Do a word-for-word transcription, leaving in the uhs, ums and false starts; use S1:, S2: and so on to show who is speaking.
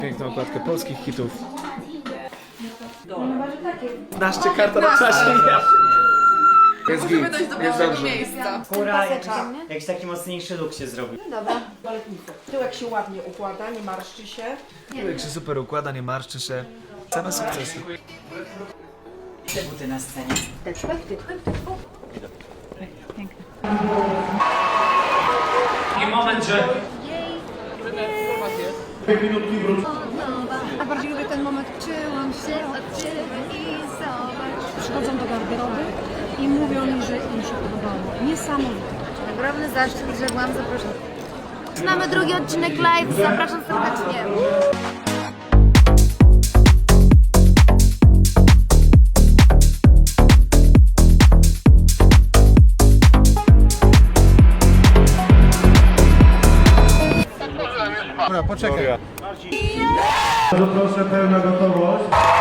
S1: Piękną okładkę polskich hitów. Naszcie karta na czasie. Jest git, jest dobrze.
S2: Góra, jakiś, jakiś taki mocniejszy look się zrobił.
S3: Baletnica. Tyłek się ładnie układa, nie marszczy się.
S1: Tyłek się super układa, nie marszczy się. Same sukcesy.
S2: Te buty na scenie. Taki moment, że...
S4: A bardziej lubię ten moment, czułam się od ciebie i zobacz. Przychodzą do garderoby i mówią mi, że im się podobało. Niesamowite.
S5: Ogromny zaszczyt, że byłam zaproszona. Zaczynamy drugi odcinek live, zapraszam serdecznie.
S6: Bardzo proszę, pełna gotowość.